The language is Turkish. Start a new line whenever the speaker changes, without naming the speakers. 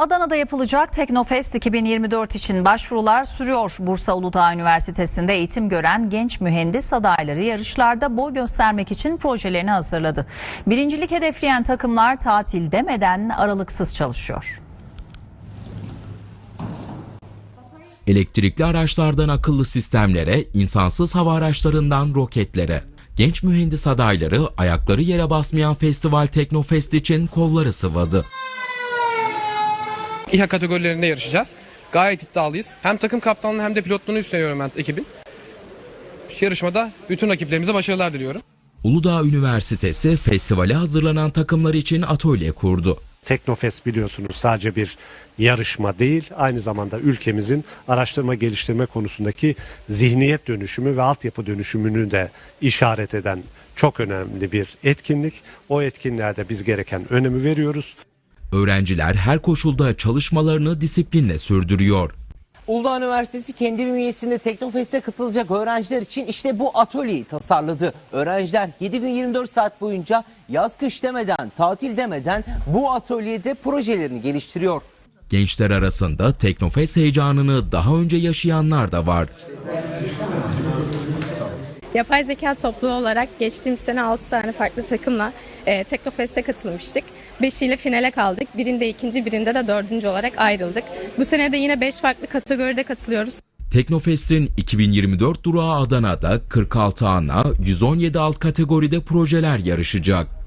Adana'da yapılacak Teknofest 2024 için başvurular sürüyor. Bursa Uludağ Üniversitesi'nde eğitim gören genç mühendis adayları yarışlarda boy göstermek için projelerini hazırladı. Birincilik hedefleyen takımlar tatil demeden aralıksız çalışıyor.
Elektrikli araçlardan akıllı sistemlere, insansız hava araçlarından roketlere. Genç mühendis adayları ayakları yere basmayan festival Teknofest için kolları sıvadı.
İHA kategorilerinde yarışacağız. Gayet iddialıyız. Hem takım kaptanlığı hem de pilotluğunu üstleniyorum ben ekibin. Yarışmada bütün rakiplerimize başarılar diliyorum.
Uludağ Üniversitesi festivale hazırlanan takımlar için atölye kurdu.
Teknofest biliyorsunuz sadece bir yarışma değil, aynı zamanda ülkemizin araştırma geliştirme konusundaki zihniyet dönüşümü ve altyapı dönüşümünü de işaret eden çok önemli bir etkinlik. O etkinliğe biz gereken önemi veriyoruz.
Öğrenciler her koşulda çalışmalarını disiplinle sürdürüyor.
Uludağ Üniversitesi kendi bünyesinde Teknofest'e katılacak öğrenciler için işte bu atölyeyi tasarladı. Öğrenciler 7 gün 24 saat boyunca yaz kış demeden, tatil demeden bu atölyede projelerini geliştiriyor.
Gençler arasında Teknofest heyecanını daha önce yaşayanlar da var.
Yapay zeka topluluğu olarak geçtiğimiz sene 6 tane farklı takımla Teknofest'e katılmıştık. 5'iyle finale kaldık. Birinde ikinci, birinde de dördüncü olarak ayrıldık. Bu sene de yine 5 farklı kategoride katılıyoruz.
Teknofest'in 2024 durağı Adana'da 46 ana, 117 alt kategoride projeler yarışacak.